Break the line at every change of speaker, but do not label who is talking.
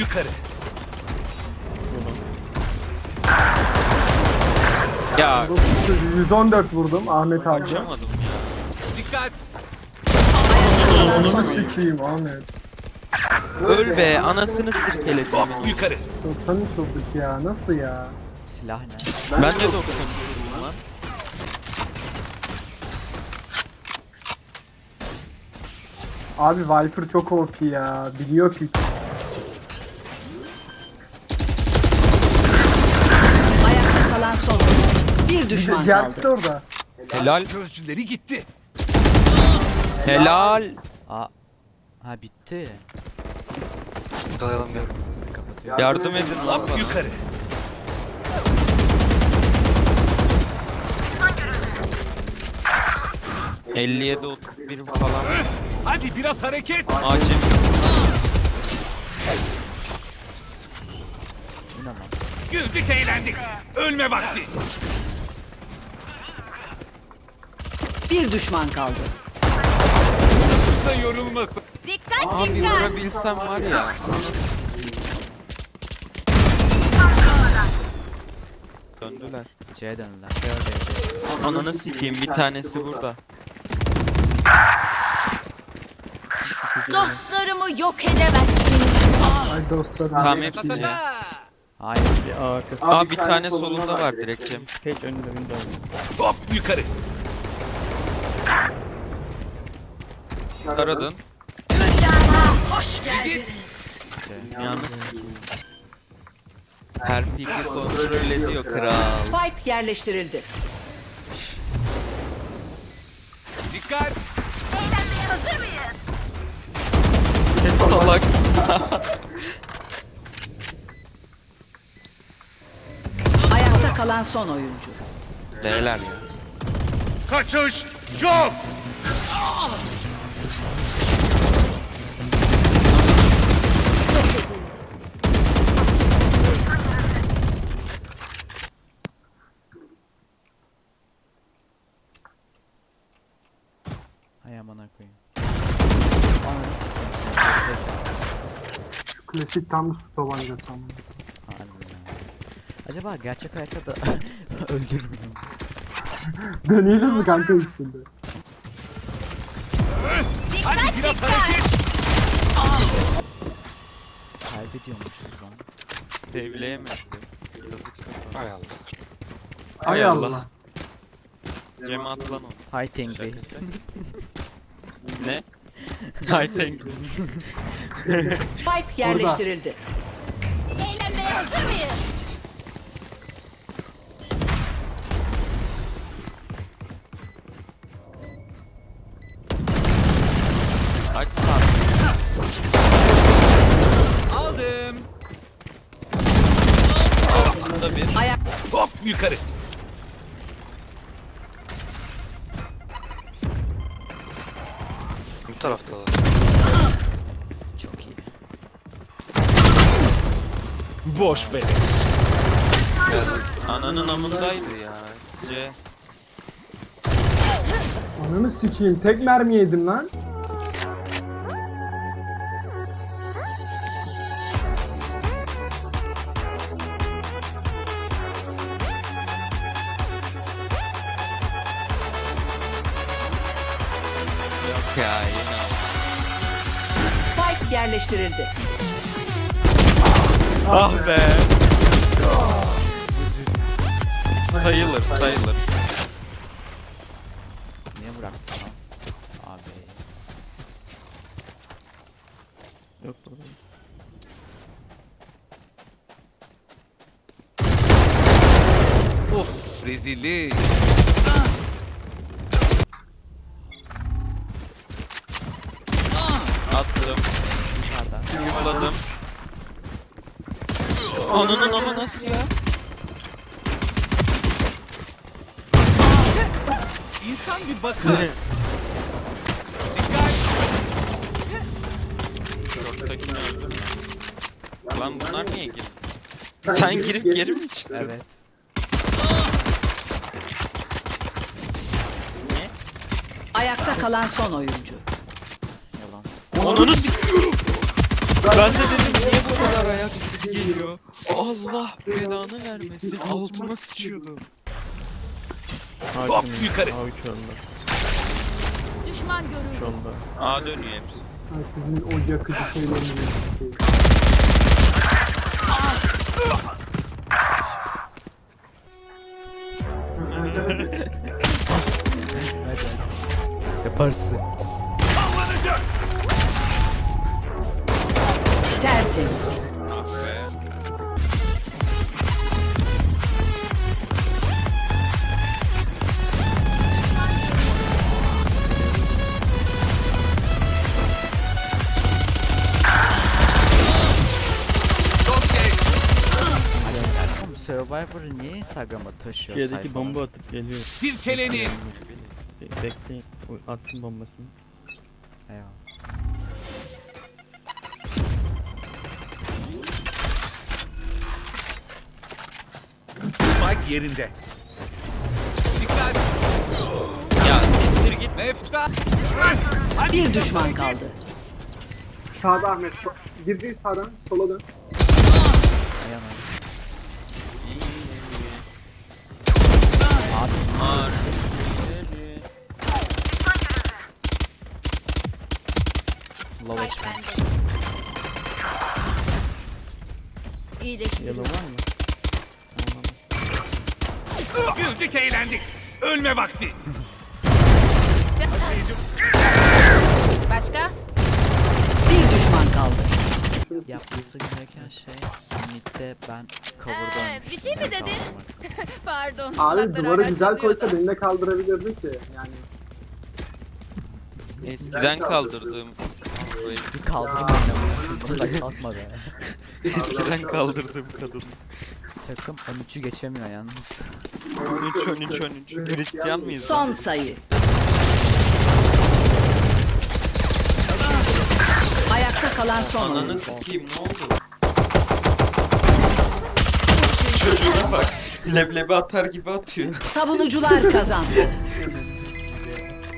yukarı.
Ya
114 vurdum Ahmet abi.
kaçamadım ya.
Dikkat.
Onu sikeyim Ahmet.
Öl be, anasını sirkeledim.
Hop yukarı.
93 olduk ya, nasıl ya?
Silah ne?
Ben de 93 vurdum lan.
Abi Viper çok OP ya, biliyor ki.
Ayakta kalan son. Bir düşman
Jax de
kaldı.
orada.
Helal.
Gözcüleri gitti.
Helal.
Aa. Ha bitti.
Dayanalım ya.
Kapatıyor.
Yardım edin lan
Hop
bana.
yukarı.
Cık. 57 31 falan.
Hadi biraz hareket.
Acil.
Bu ne lan?
Güldük eğlendik. Ölme vakti.
Bir düşman kaldı.
Da yorulmasın.
Abi vurabilsem var ya. Döndüler.
C'ye döndüler. C.
Ananı sikeyim, bir tanesi burada.
Dostlarımı yok edemezsiniz.
Ay dostlarım.
Tamam hepsi C.
Hayır.
Aa bir tane solunda var direkt Cem.
Hop yukarı.
Taradın.
Hoş geldiniz.
Yalnız. Her piki kontrol ediyor kral.
Spike yerleştirildi.
Dikkat.
Eğlenmeye hazır mıyız?
Salak.
Ayakta kalan son oyuncu.
Neler ya?
Kaçış yok.
Hay amına koyayım. Ananı sikeyim seni. Gerizekalı.
Klasik tam su tabancası ama.
Harbi ya. Acaba gerçek hayatta da öldürmüyor mu?
Deneyelim mi kanka üstünde?
Hadi biraz hareket.
Kaybediyormuşuz lan.
Devleyemedi. Yazık.
Hay Allah.
Hay Allah. Cem at lan onu.
Hi Tengri.
Ne? Hay Tengri.
Spike yerleştirildi.
Eğlenmeye hazır mıyız?
Aç sağ.
Aldım.
Altında bir.
Hop yukarı.
Bu tarafta da.
Çok iyi.
Boş beleş.
Ananın amındaydı ya. C.
Ananı sikeyim, tek mermi yedim lan.
Yok ya yine al.
Spike yerleştirildi.
Ah be. Sayılır sayılır.
Niye bıraktın lan? Abi. Yok burada.
Of rezillik.
Attım.
Dışarıda.
Yumladım. Ananın ama nasıl ya?
İnsan bir bakar. Dikkat.
Şorttakini öldüm ya. Lan bunlar niye girdi? Sen girip geri mi çıktın?
Evet.
Ayakta kalan son oyuncu.
Yalan.
Onunu s***yorum. Ben de dedim niye bu kadar ya? Allah belanı vermesin. Altıma sıçıyordu.
Hop yukarı.
A3 önde.
Düşman görüldü.
Şu anda.
A dönüyor hepsi.
Ay, sizin o yakıcı şeyleriniz.
Yaparsın.
Sallanacak.
Tertemiz.
Ah be.
Okey.
Oğlum Survivor'ı niye Instagram'a taşıyor
Türkiye'deki
sayfama?
bomba atıp geliyor.
Silkelenin.
Bekleyin. Attım bombasını.
Eyvallah.
Spike yerinde. Dikkat.
Ya siktir git.
Mefta.
Bir düşman kaldı.
Sağda Ahmet. Girecek sağdan. Sola dön.
Ayağım.
Ar.
Low
Spike
HP.
bende.
Yellow
İyileştiriyorum.
var mı?
Güldük eğlendik. Ölme vakti.
Başka?
Bir düşman kaldı.
Yapması gereken şey midde ben cover'da
bir şey mi dedin? Pardon.
Abi
kulakları
duvarı
hala
güzel
çalıyordu.
koysa beni de kaldırabilirdi ki. Yani
Eskiden kaldırdığım.
Bir kaldırım oynamıştım. Bunu da kalkma be.
Eskiden kaldırdığım kadın.
Takım 13'ü geçemiyor yalnız.
13. Hristiyan mıyız?
Son sayı. Ayakta kalan son
Ananı
oyuncu.
sikeyim ne oldu? Çocuğuna bak. Leblebi atar gibi atıyor.
Savunucular kazandı.